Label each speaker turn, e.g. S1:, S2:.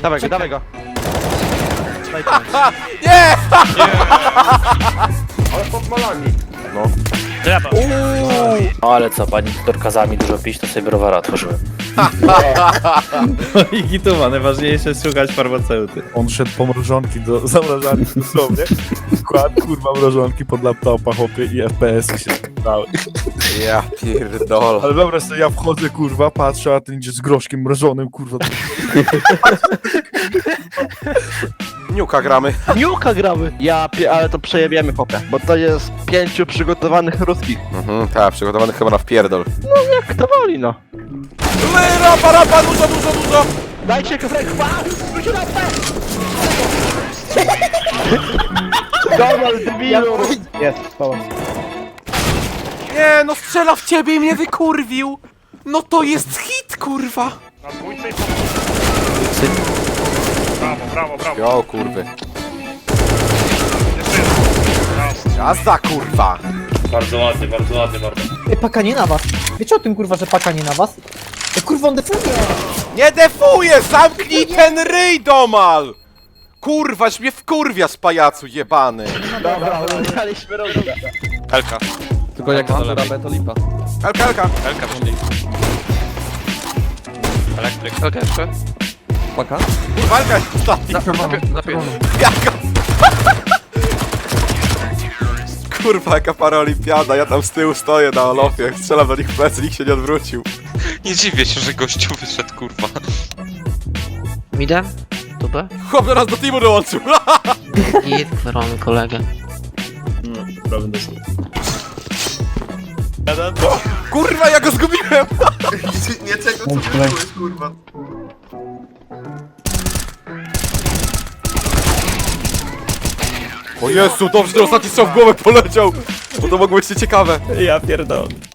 S1: Dawaj go, dawaj go.
S2: Nie!
S3: Ale pod malami.
S4: Draba.
S5: No ale co, pani dorkazami dużo pić, to sobie browara otworzyłem.
S6: I gitowa, najważniejsze jest szukać farmaceuty.
S7: On szedł po mrożonki do zamrażarki dosłownie. Kładł kurwa mrożonki pod laptopa, chłopie, i FPS-y się dały.
S2: Ja pierdolę.
S7: Ale dobra, sobie ja wchodzę, kurwa, patrzę, a ten idzie z groszkiem mrożonym, kurwa.
S2: Niuka gramy.
S1: Niuka gramy. Ale to przejebiemy chłopie, bo to jest 5 przygotowanych ruskich.
S2: Tak, przygotowany chyba na wpierdol.
S1: Jak kto woli, no.
S2: Rapa, dużo!
S1: Dajcie kofrek, wróć na P! Dobra, debilu! Jest, spała.
S2: Nie, no strzela w ciebie i mnie wykurwił! No to jest hit, kurwa!
S4: Na dwójce i po... Brawo.
S2: Jo, kurwy.
S4: Jeszcze jeden. Brawo.
S2: Jazda, kurwa!
S5: Bardzo ładny bardzo.
S8: Paka nie na was. Wiecie o tym kurwa, że paka nie na was? Kurwa on defuje!
S2: Nie defuję! Zamknij ten ryj, domal! Kurwa, mnie wkurwia z pajacu jebany.
S1: Dobra, daliśmy rozumie.
S2: Elka.
S3: Tylko jak mam rabę, to lipa.
S2: Elka.
S9: Elka wyszli. Elektryk. Elka jeszcze?
S3: Paka?
S2: Kurwa, Elka jest ostatni.
S9: Na pięć.
S2: Jaka? Kurwa, jaka paraolimpiada, ja tam z tyłu stoję na Olofie, strzelam do nich w plecy, nikt się nie odwrócił.
S9: Nie dziwię się, że gościu wyszedł, kurwa.
S10: Midem? Tubę?
S2: Chłop do nas do teamu dołączył.
S10: I mamy kolegę.
S2: Kurwa, ja go zgubiłem!
S3: Nie czego co byłeś, kurwa.
S2: O Jezu, dobrze, że ostatni strzał w głowę poleciał! Bo to mogło być nieciekawe.
S6: Ja pierdolę.